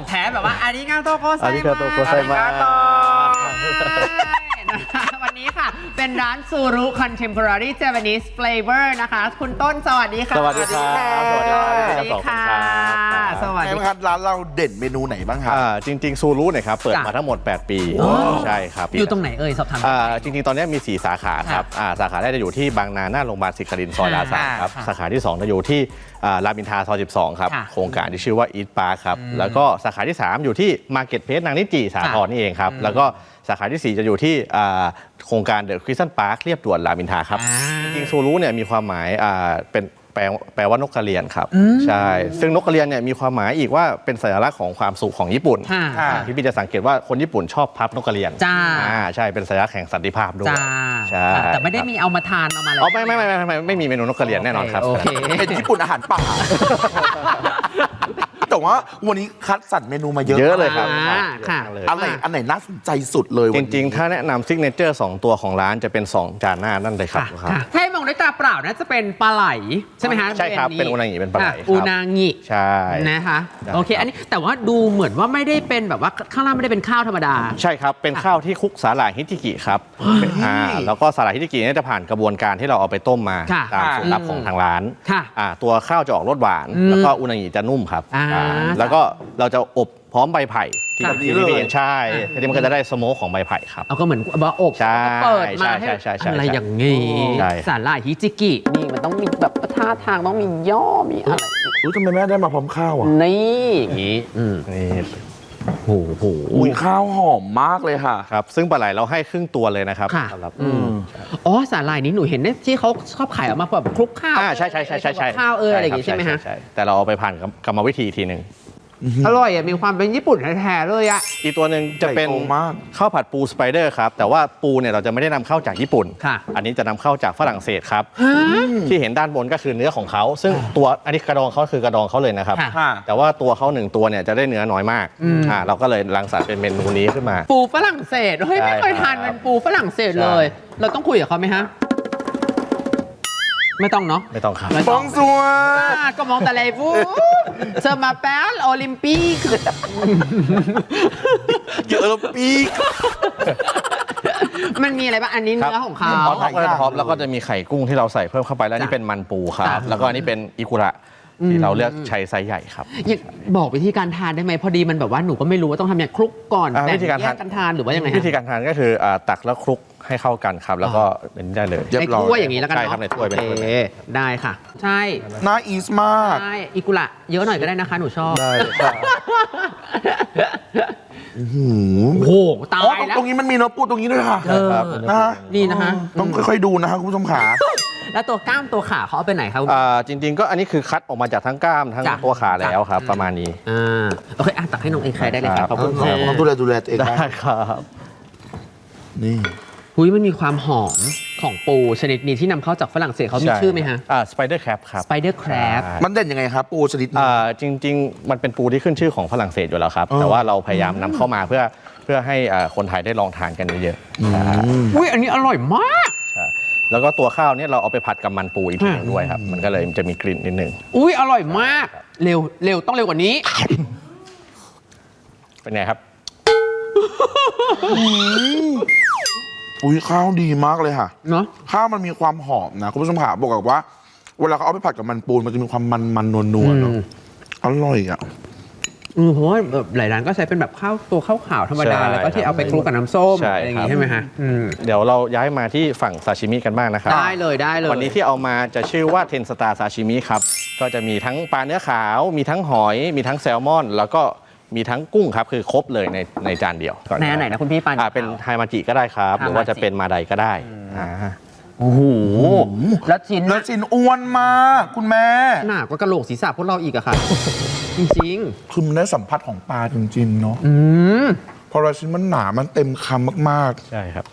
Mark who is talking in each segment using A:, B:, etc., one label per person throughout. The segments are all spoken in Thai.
A: แท้แบบว่าอาริกาโตโกไซมา
B: อาริกาโตโกไซมา
A: วันนี้ค่ะเป็นร้านซูรุ Contemporary Japanese Flavor นะคะคุณต้นสวัสดีค่ะ
B: สวัสดีครับสวัสดีครับ
A: สวัสดีค่ะสวัสดี
C: ครับร้านเราเด่นเมนูไหนบ้างครับ
B: จริงๆซูรุเนี่ยครับเปิดมาทั้งหมด8 ปีใช่ครับ
A: อยู่ตรงไหนเอ่ยสอบถาม
B: จริงๆตอนนี้มี4สาขาครับสาขาแรกจะอยู่ที่บางนาหน้าโรงพยาบาลศิรินทร์ซอยลาซานครับสาขาที่2จะอยู่ที่รามอินทราซอย12ครับโครงการที่ชื่อว่าอีทปาร์คครับแล้วก็สาขาที่3อยู่ที่มาร์เก็ตเพลสนางนิจิสาทรนี่เองครับแล้วก็สาขาที่4จะอยู่ที่โครงการเดอะคริสตัลพาร์คเรียบด่วนรามอินทราครับจริงๆซูรุเนี่ยมีความหมายเป็นแปลว่านกกระเรียนครับใช่ซึ่งนกกระเรียนเนี่ยมีความหมายอีกว่าเป็นสัญลักษณ์ของความสุขของญี่ปุ่นที่พี่จะสังเกตว่าคนญี่ปุ่นชอบพับนกกระเรียนใช่เป็นสัญลักษณ์แห่งสันติภาพด้วยใช่
A: แต่ไม่ได้มีเอามาทานเอามาอะไร
B: ไม่มีเมนูนกกระเรียนแน่นอนครับ
A: โอเค
C: เป็นญี่ปุ่นอาหารป่าแต่ว่าวันนี้คัดสรรเมนูมาเยอะ
B: เลยครับ
A: ค่ะ
C: อันไหนน่าสนใจสุดเลย
B: จริงๆถ้าแนะนำซิกเนเจอร์2ตัวของร้านจะเป็น2จานหน้านั่นเลยครับ
A: ให้มองด้วยตาเปล่าน่าจะเป็นปลาไหลใช่ไหมฮะ
B: ใช่ครับเป็นอุนางิเป็นปลาไหล
A: อุนางิ
B: ใช่
A: นะคะโอเคอันนี้แต่ว่าดูเหมือนว่าไม่ได้เป็นแบบว่าข้างล่างไม่ได้เป็นข้าวธรรมดา
B: ใช่ครับเป็นข้าวที่คลุกสาหร่ายฮิจิกิครับแล้วก็สาหร่ายฮิจิกินี่จะผ่านกระบวนการที่เราเอาไปต้มมาตามสูตรลับของทางร้านตัวข้าวจะออกรสหวานแล้วก็อุนางิจะนุ่มครับแล้วก็เราจะอบพร้อมใบไผ่ที่นี่เองใช่ทีนี้มันก็จะได้สโมกของใบไผ่ครับ
A: เอาก็เหมือนว่าอบเปิดมาให้อะไรอย่างงี้สาหร่ายฮิจิกินี่มันต้องมีแบบท่าทางต้องมีย่อมีอะไร
C: ทำไมแม่ได้มาพร้อมข้าวอ่ะ
A: นี่อย่างงี้
B: นี่
C: โอ้โหข้าวหอมมากเลยค่ะ
B: ครับซึ่งปลาไหลเราให้ครึ่งตัวเลยนะครับ
A: สำหรับสาหร่ายนี้หนูเห็นที่เขาชอบขายออกมาแบบคลุกข้าว
B: ใช่
A: ข้าวอะไรอย่างงี้ใช่ไหมฮะ
B: แต่เราเอาไปผ่านกรรมวิธีทีหนึ่ง
A: อร่อยมีความเป็นญี่ปุ่นแท้ๆเลยอ่ะ
B: อีกตัวหนึ่งจะเป็นข้าวผัดปูสไปเดอร์ครับแต่ว่าปูเนี่ยเราจะไม่ได้นำเข้าจากญี่ปุ่นอันนี้จะนำเข้าจากฝรั่งเศสครับที่เห็นด้านบนก็คือเนื้อของเขาซึ่งตัวอันนี้กระดองเขาคือกระดองเขาเลยนะครับแต่ว่าตัวเขา1ตัวเนี่ยจะได้เนื้อน้อยมากเราก็เลยรังสรรค์เป็นเมนูนี้ขึ้นมา
A: ปูฝรั่งเศสเฮ้ยไม่เคยทานเป็นปูฝรั่งเศสเลยเราต้องคุยกับเขาไหมฮะไม่ต้องเนาะ
B: ไม่ต้องครับ
C: บองซัว
A: ก็มองแต่เลยฟูเซอร์มาแปลโอลิมปิก
C: เยอะแล้วปีก
A: มันมีอะไรบ้างอันนี้เนื้อของเขา
B: ท็อปแล้วก็จะมีไข่กุ้งที่เราใส่เพิ่มเข้าไปแล้วนี่เป็นมันปูครับแล้วก็อันนี้เป็นอิกุระที่เราเลือกใช้ไซส์ใหญ่ครับ
A: บอกวิธีการทานได้ไหมพอดีมันแบบว่าหนูก็ไม่รู้ว่าต้องทำอย่างคลุกก่อน
B: วิธีการ
A: ทานหรือว่ายังไง
B: วิธีการทานก็คือตักแล้วคลุกให้เข้ากันครับแล้วก็เป็นได้เลย
A: ในถ้วยอย่างนี้แล้วกัน
B: ใช่ครับในถ้วยเป็น
A: ได้ค่ะใช่
C: น่าอีสมาก
A: ใช่อิกุระเยอะหน่อยก็ได้นะคะหนูชอบ
B: ได้
C: โอ้
A: โหตายแล้ว
C: ตรงนี้มันมีเนื้อปูตรงนี้ด้วยค่ะ
A: นะนี่นะคะ
C: ต้องค่อยๆดูนะคะคุณผู้ชมขา
A: แล้วตัวกล้ามตัวขาเขาเอาไปไหนครับ
B: จริงๆก็อันนี้คือคัดออกมาจากทั้งกล้ามทั้งตัวขาแล้วครับประมาณนี้
A: โอเคตักให้น้องเอใครได้เลยครับขอบคุณครับ
C: ดูแลตัวเอง
B: ได้ครับ
C: นี่
A: มันมีความหอมของปูชนิดนี้ที่นำเข้าจากฝรั่งเศสเขามีชื่อไหมฮะ
B: สไปเดอร์แครบครับ
A: สไปเดอร์แครบ
C: มันเด่นยังไงครับปูชนิดนี้
B: จริงๆมันเป็นปูที่ขึ้นชื่อของฝรั่งเศสอยู่แล้วครับแต่ว่าเราพยายามนำเข้ามาเพื่อให้คนไทยได้ลองทานกันเยอะ
A: ๆอันนี้อร่อยมาก
B: แล้วก็ตัวข้าวเนี่ยเราเอาไปผัดกับมันปูอีกทีนึงด้วยครับมันก็เลยจะมีกลิ่นนิดนึง
A: อร่อยมากเร็วต้องเร็วกว่านี้
B: เป็นไงครับ
C: ข้าวดีมากเลยค่ะ
A: เนาะ
C: ข้าวมันมีความหอมนะคุณผู้ชมขาบอกว่าเวลาเขาเอาไปผัดกับมันปูมันจะมีความมันนัวๆเนาะอร่อยอ่ะ
A: เพราะว่าหลายร้านก็ใช้เป็นแบบข้าวขาวธรรมดาแล้วก็ที่เอาไปคลุกกับน้ำส้มอะไรอย่างงี้ใช่ไหมฮะ
B: เดี๋ยวเราย้ายมาที่ฝั่งซาชิมิกันบ้างนะครับ
A: ได้เลย
B: วันนี้ที่เอามาจะชื่อว่าเทนสตาร์ซาชิมิครับก็จะมีทั้งปลาเนื้อขาวมีทั้งหอยมีทั้งแซลมอนแล้วก็มีทั้งกุ้งครับคือครบเลยในจานเดียว
A: ในอันไหนนะคุณพี่ปาน
B: เป็นไฮมาจิก็ได้ครับหรือว่าจะเป็นมาไดก็ได้
A: โอ้โหแล้ว
C: ชิ้นอ้วนมากคุณแม่
A: หนากว่ากระโหลกศีรษะพวกเราอีกอะค่ะจริง
C: ๆคือมันได้สัมผัสของปลาจริงๆเนาะพอเราชิ้นมันหนามันเต็มคำมาก
B: ๆใช่ครับ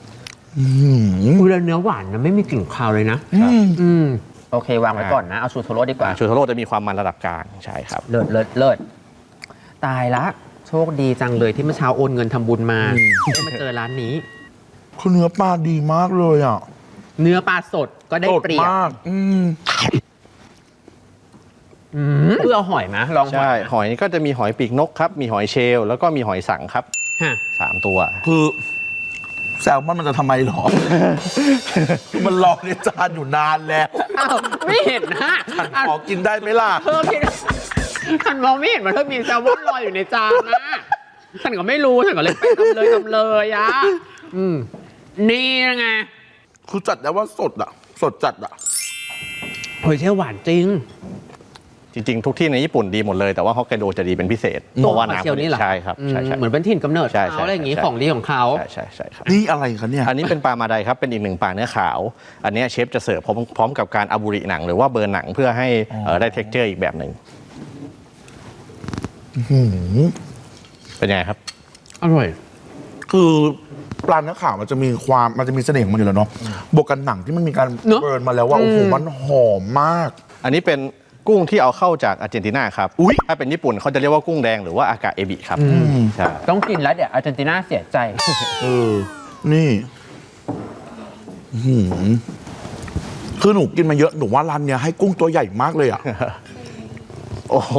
A: เนื้อหวานนะไม่มีกลิ่นคาวเลยนะโอเควางไว้ก่อนนะเอาชูโทโร่ดีกว่า
B: ชูโทโร่จะมีความมันระดับกลางใช่ครับ
A: เลิศตายละโชคดีจังเลยที่เมื่อเช้าโอนเงินทำบุญมาได้มาเจอร้านนี้
C: คือเนื้อปลาดีมากเลยอ่ะ
A: เนื้อปลาสดก็ได้เปรียบคือเอาหอยมาลองหอย
B: ใช่หอยก็จะมีหอยปีกนกครับมีหอยเชลล์แล้วก็มีหอยสังครับ
A: ฮะ
B: 3 ตัว
C: คือแซลมอนมันจะทำไมหรอ มันรอในจานอยู่นานแล้ว
A: อ้าวไม่เห็นนะ
C: ขอกินได้ไหมล่ะ
A: เธอกินฉันมองไม่เห็นว่าเธอมีแซลมอนลอยอยู่ในจานนะฉันก็ไม่รู้ฉันก็เลยไปทำเลยอะนี่ไง
C: คือจัดแล้วว่าสดอะสดจัดอะ
A: หอยเชลล์หวานจริง
B: จริงๆ ทุกที่ในญี่ปุ่นดีหมดเลยแต่ว่าฮอกไกโดจะดีเป็นพิเศษเพราะว่า
A: หอยเชลล์นี่เหรอ
B: ใช่ครับใช่
A: เหมือนเป็นถิ่นกำเนิด
B: ใช่
A: เขาอะไรอย่างงี้
B: ใช่
A: ของดีของเขา
B: ใช่ครับ
C: นี่อะไรคะเนี่ย
B: อันนี้เป็นปลามาไดครับเป็นอีกหนึ่งปลาเนื้อขาว อันเนี้ยเชฟจะเสิร์ฟพร้อมกับการอาบุริหนังหรือว่าเบิร์นหนังเพื่อให้ได้เท็กเจอร์อีกแบบหนึ่งเป็นยังไงครับ
A: อร่อย
C: คือปลาเนื้อขาวมันจะมีเสน่ห์ของมันอยู่แล้วเนาะบวกกันหนังที่มันมีการ
A: เนอะ
C: เบิร์นมาแล้วว่าโอ้โหมันหอมมาก
B: อันนี้เป็นกุ้งที่เอาเข้าจากอาร์เจนตินาครับ
C: อุ๊ย
B: ถ้าเป็นญี่ปุ่นเขาจะเรียกว่ากุ้งแดงหรือว่าอากาเอบิครับใช่
A: ต้องกินแล้วเดี๋ยวอาร์เจนตินาเสียใจ
C: นี่อื้อหือคือหนูกินมาเยอะหนูว่าร้านเนี้ยให้กุ้งตัวใหญ่มากเลยอะ
B: โอ้โห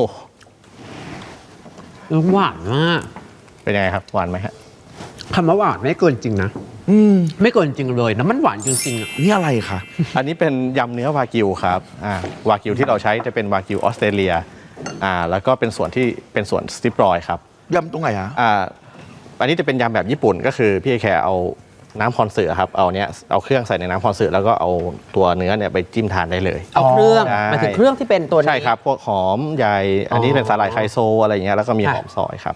A: หวานมาก
B: เป็นยังไงครับหวานไหมฮะ
A: คำว่าหวานไม่เกินจริงนะ ไม่เกินจริงเลยนะมันหวานจริงๆอะ
C: นี่อะไรคะ
B: อันนี้เป็นยำเนื้อวากิวครับวากิวที่เราใช้จะเป็นวากิวออสเตรเลียแล้วก็เป็นส่วนที่เป็นส่วนสติปรอยครับ
C: ยำตรงไหนอะ
B: อันนี้จะเป็นยำแบบญี่ปุ่นก็คือพี่แค่เอาน้ำคอนเสิร์ตครับเอาเครื่องใส่ในน้ำคอนเสิร์ตแล้วก็เอาตัวเนื้อเนี่ยไปจิ้มทานได้เลย
A: เอาเครื่อง
B: ใช่
A: หมายถึงเครื่องที่เป็นตัวนี้
B: ใช่ครับพวกหอมใหญ่อันนี้เป็นสาหร่ายไคโซอะไรอย่างเงี้ยแล้วก็มีหอมซอยครับ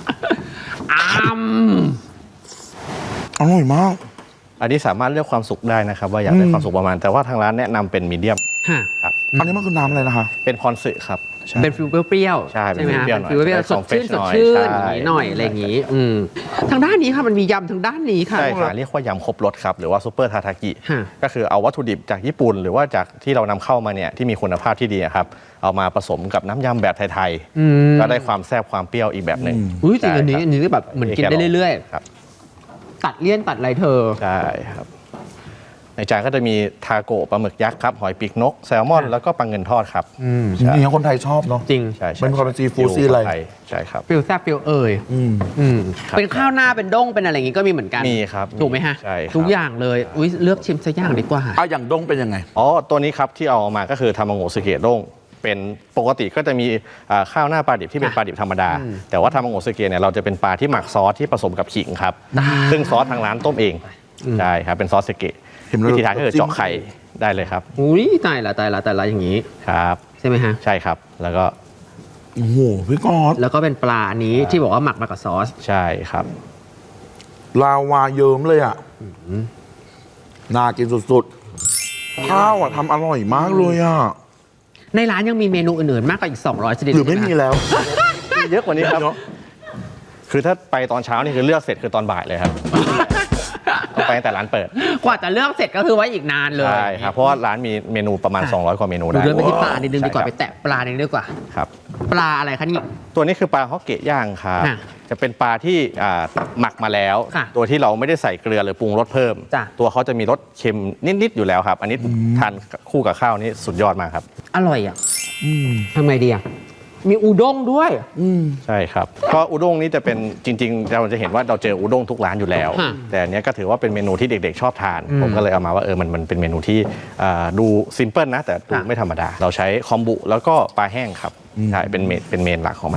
C: อร่อยมาก
B: อันนี้สามารถเลือกความสุกได้นะครับว่าอยากได้ความสุกประมาณแต่ว่าทางร้านแนะนำเป็นมีเดียม
A: ฮะ
B: ครับ
C: อันนี้มันคือน้ำอะไรนะคะ
B: เป็นพรสึครับใช่
A: เป็นฟิลเปรี้ยวๆ
B: ใช่เป็น
A: ไหม
B: ฟิล
A: ฮะ
B: เปรี้ยวหน่อย
A: ฟิลเปรี้ยว
B: เป็น
A: ส
B: ของ
A: ดชื่น
B: fresh
A: สดชื่น
B: หน่อย
A: อย่างนี้หน่อย
B: ใช่
A: อะไรอย่างนี้ทางด้านนี้ค่ะมันมียำทางด้านนี้ค่ะ
B: ใช่ค่ะเรียกว่ายำครบรสครับหรือว่าซูเปอร์ทาทากิ
A: ฮะ
B: ก็คือเอาวัตถุดิบจากญี่ปุ่น หรือว่าจากที่เรานำเข้ามาเนี่ยที่มีคุณภาพที่ดีอะครับเอามาผสมกับน้ำยำแบบไทยๆก็ได้ความแซ่บความเปรี้ยวอีกแบบหนึ่ง
A: อุ้ยจริง
B: ใช่
A: อันนี้
B: ครับ
A: อันนี้แบบเหมือนกินได้เรื่อย
B: ครับ
A: ๆ ตัดเลี่ยนตัดอะไรเธอ
B: ใช่ครับในจานก็จะมีทาโกะปลาหมึกยักษ์ครับหอยปีกนกแซลมอนแล้วก็ปลาเงินทอดครับใช่
C: นี่คนไทยชอบเนาะ
A: จริง
B: ใช่
C: เป็นความเป็นซีฟู้ดซีอะไร
B: ใช่ครับ
A: ฟิลแซ่บฟิลเอ่ย
B: ครับ
A: เป็นข้าวหน้าเป็นด้งเป็นอะไรอย่างงี้ก็มีเหมือนกัน
B: มีครับ
A: ถูกไหมฮะ
B: ใช่ครับ
A: ทุกอย่างเลยอุ้ยเลือกชิมสักอย่างดีกว่า
C: อย่างด้งเป็นยังไง
B: อ๋อตัวนี้ครับที่เอามาก็คือทามังโงสึเกะด้งเป็นปกติก็จะมีข้าวหน้าปลาดิบที่เป็นปลาดิบธรรมดา แต่ว่าทามังโงสึเกะเนี่ยเราจะเป็นปลาที่หมักซอสที่ผสมกับขิงครับซึ่งซอสทางร้านต้มเองใช่ครับเป็นซอสสึเกะ
C: เห็นแล้ว
B: วิธีทานก็คือเจาะไข่ได้เลยครับ
A: อุ้ยตายละอย่างนี้
B: ครับ
A: ใช่ไหมฮะ
B: ใช่ครับแล้วก็
C: โอ้โหพี่กอด
A: แล้วก็เป็นปลาอันนี้ที่บอกว่าหมักมากับซอส
B: ใช่ครับ
C: ลาวาเยิ้มเลยอ่ะน่ากินสุดๆ ข้าวอ่ะทำอร่อยมากเลยอ่ะ
A: ในร้านยังมีเมนูอื่นๆ มากกว่าอีก 200 ชนิด
C: หรือไม่มี
A: ใช่ห
C: แล้ว
B: เยอะกว่านี้ครับ
C: เนอะ
B: คือถ้าไปตอนเช้านี่คือเลือกเสร็จคือตอนบ่ายเลยครับต้องไปตั้งแต่ร้านเปิด
A: กว่าจะเลือกเสร็จก็คือไว้อีกนานเลย
B: ใช่ครับเพราะว่าร้านมีเมนูประมาณ 200 กว่าเมนู
A: ดู
B: ได้
A: เดินไปที่ปลานิดนึงดีกว่า
B: ใช่
A: ไป
B: ครับ
A: แตะปลานิดนึงดีกว่า
B: ครับ
A: ปลาอะไรคะนี่
B: ตัวนี้คือปลาฮอกเกะย่างครับ
A: ค่ะ
B: จะเป็นปลาที่หมักมาแล้ว
A: ค่ะ
B: ตัวที่เราไม่ได้ใส่เกลือหรือปรุงรสเพิ่ม
A: จ้ะ
B: ตัวเขาจะมีรสเค็มนิดๆอยู่แล้วครับ อันนี้ทานคู่กับข้าวนี่สุดยอดมากครับ
A: อร่อยอ่ะทำไงดีอ่ะมีอุด้งด้วย
B: ใช่ครับก็อุด้งนี่จะเป็นจริงๆเราจะเห็นว่าเราเจออุด้งทุกร้านอยู่แล้ว
A: ฮะ
B: แต่อันเนี้ยก็ถือว่าเป็นเมนูที่เด็กๆชอบทาน ผมก็เลยเอามาว่ามันเป็นเมนูที่ดูซิมเพิลนะแต่ดูไม่ธรรมดา เราใช้คอมบุแล้วก็ปลาแห้งครับใช่เป็นเมนหลักของมัน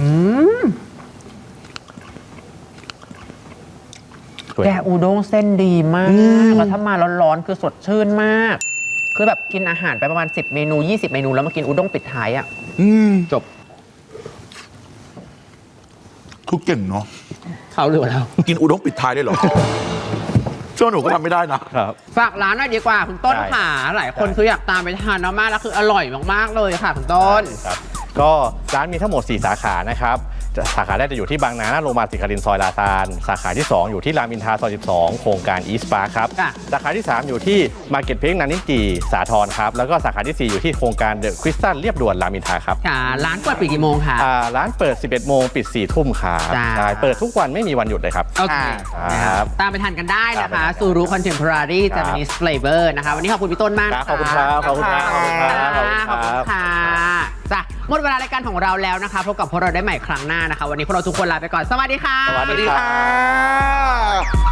A: แกอุด้งเส้นดีมากแล้วถ้ามาร้อนๆคือสดชื่นมาก คือแบบกินอาหารไปประมาณ10 เมนู 20 เมนูแล้วมากินอุด้งปิดท้ายอ่ะจบ
C: คือเก่งเนาะ
A: เขาหรือเรา
C: กินอุด้งปิดท้ายได้เหรอ เชื่อหนูก็ทำไม่ได้นะ
B: ครับ
A: ฝากร้านหน่อยดีกว่าคุณต้น
B: ได้
A: ค่ะหลายคนคืออยากตามไปทานมากๆแล้วคืออร่อยมากๆเลยค่ะคุณต้น
B: ครับก็ร้านมีทั้งหมด 4 สาขานะครับสาขาแรกจะอยู่ที่บางนาหน้าโรงพยาบาลศรีนครินทร์ซอยลาซานสาขาที่ 2 อยู่ที่รามอินทราซอย 12 โครงการอีสปาร์ครับ
A: ค่ะ
B: สาขาที่ 3 อยู่ที่มาร์เก็ตเพลสนันนิจีสาทรครับแล้วก็สาขาที่ 4 อยู่ที่โครงการเดอะคริสตัลเรียบด่วนรามอินทราครับ
A: ค่ะร้านเปิดปิดกี่โมงคะ
B: ร้านเปิด 11 โมงปิด 4 ทุ่มครับ
A: จ้า
B: ใช่เปิดทุกวันไม่มีวันหยุดเลยครับ
A: โอเค
B: ครับ
A: ตามไปทานกันได้นะ
B: ตามไป
A: คะ
B: ทาน
A: ซูรุคอนเทมพอรารี
B: ครั
A: จา
B: บ
A: ปนิสเฟลเวอร์นะคะวันนี้ขอบคุณพี่ต้นมาก
B: ขอบคุณครับขอบคุณครับขอบคุณครับขอบคุณ
A: ขอบ
B: ค
A: คุ
B: รั
A: ณ
B: บ
A: ค่ะจ้ะหมดเวลารายการของเราแล้วนะคะพบกับพวกเราได้ใหม่ครั้งหน้านะคะวันนี้พวกเราทุกคนลาไปก่อนสวัสดีค่ะ
B: สวัสดีค่ะ